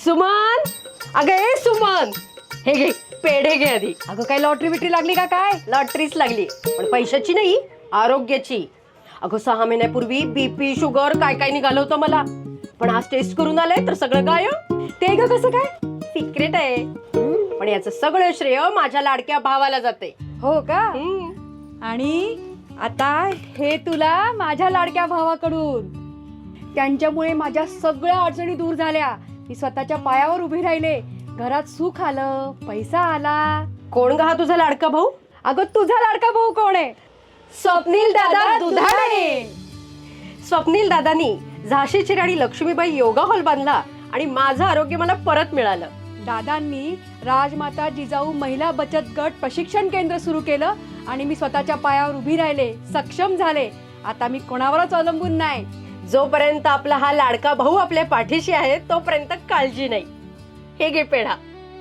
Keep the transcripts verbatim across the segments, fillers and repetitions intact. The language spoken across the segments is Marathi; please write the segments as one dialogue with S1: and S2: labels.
S1: सुमन, अगं ए सुमन, हे घे पेढे घे आधी.
S2: अगं काय लॉटरी बिटरी लागली का काय?
S1: लॉटरीच लागली, पण पैशाची नाही, आरोग्याची. अगं सहा महिन्यापूर्वी बीपी शुगर काय काय निघालं होतं मला, पण आज टेस्ट करून आलंय तर सगळं गायब.
S2: ते ग कसं काय?
S1: सिक्रेट आहे, पण याचं सगळं श्रेय माझ्या लाडक्या भावाला जाते.
S2: हो का? आणि आता हे तुला माझ्या लाडक्या भावाकडून. त्यांच्यामुळे माझ्या सगळ्या अडचणी दूर झाल्या. मी स्वतःच्या पायावर उभी राहिले. घरात सुख आलं, पैसा आला.
S1: कोण ग हा तुझा लाडका भाऊ?
S2: अगं तुझा लाडका भाऊ कोण आहे?
S1: स्वप्नील दादा दुधाणे. स्वप्नील दादानी झाशीची राणी लक्ष्मीबाई योगा हॉल बांधला आणि माझं आरोग्य मला परत मिळालं.
S2: दादांनी राजमाता जिजाऊ महिला बचत गट प्रशिक्षण केंद्र सुरू केलं आणि मी स्वतःच्या पायावर उभी राहिले, सक्षम झाले. आता मी कोणावरच अवलंबून नाही.
S1: जोपर्यंत आपला हा लाडका भाऊ आपल्या पाठीशी आहे तोपर्यंत काळजी नाही. हे घे पेढा.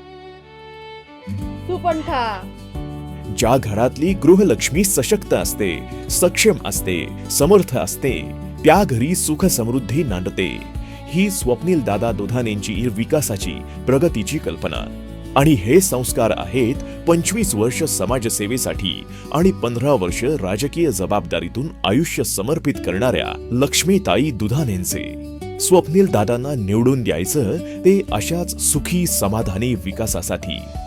S2: तू पण खा.
S3: ज्या घरातली गृहलक्ष्मी सशक्त असते, सक्षम असते, समर्थ असते, त्या घरी सुख समृद्धी नांदते. ही स्वप्नील दादा दुधाणेंची विकासाची, प्रगतीची कल्पना. आणि हे संस्कार आहेत पंचवीस वर्ष समाजसेवेसाठी आणि पंधरा वर्ष राजकीय जबाबदारीतून आयुष्य समर्पित करणाऱ्या लक्ष्मीताई दुधाणेंचे. स्वप्नील दादांना निवडून द्यायचं ते अशाच सुखी समाधानी विकासासाठी.